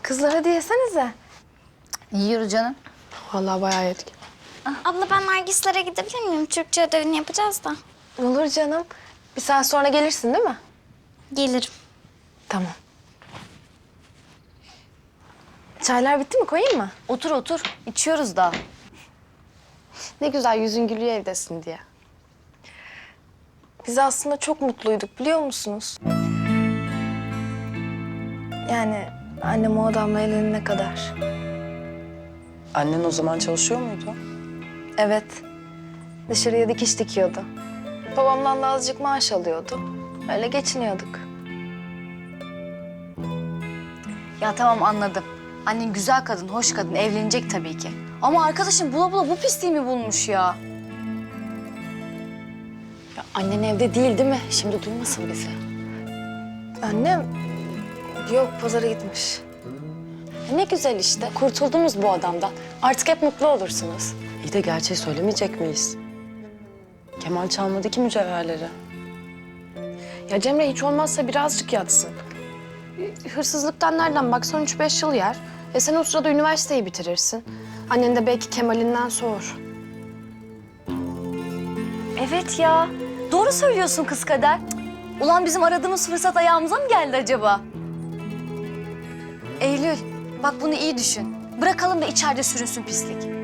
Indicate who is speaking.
Speaker 1: Kızlar hadi yesenize.
Speaker 2: Yiyoruz canım.
Speaker 3: Vallahi bayağı yedik.
Speaker 4: Abla ben Nergislere gidebilir miyim? Türkçe ödevini yapacağız da.
Speaker 1: Olur canım. Bir saat sonra gelirsin değil mi?
Speaker 4: Gelirim.
Speaker 1: Tamam. Çaylar bitti mi? Koyayım mı?
Speaker 2: Otur otur. İçiyoruz da.
Speaker 3: Ne güzel yüzün gülüyor evdesin diye.
Speaker 1: Biz aslında çok mutluyduk biliyor musunuz? Yani annem o adamla evlenene kadar.
Speaker 5: Annen o zaman çalışıyor muydu?
Speaker 1: Evet. Dışarıya dikiş dikiyordu. Babamdan da azıcık maaş alıyordu. Öyle geçiniyorduk.
Speaker 2: Ya tamam anladım. Annen güzel kadın, hoş kadın. Evlenecek tabii ki. Ama arkadaşım bula bula bu pisliği mi bulmuş ya?
Speaker 3: Ya annen evde değil mi? Şimdi duymasın bizi.
Speaker 1: Annem yok pazara gitmiş.
Speaker 3: Ne güzel işte. Kurtuldunuz bu adamdan. Artık hep mutlu olursunuz.
Speaker 5: İyi de gerçeği söylemeyecek miyiz? Kemal çalmadı ki mücevherleri.
Speaker 3: Ya Cemre hiç olmazsa birazcık yatsın. Hırsızlıktan nereden baksan 3-5 yıl yer. Sen o sırada üniversiteyi bitirirsin. Annen de belki Kemal'inden soğur.
Speaker 2: Evet ya. Doğru söylüyorsun kız Kader. Cık. Ulan bizim aradığımız fırsat ayağımıza mı geldi acaba? Eylül, bak bunu iyi düşün. Bırakalım da içeride sürünsün pislik.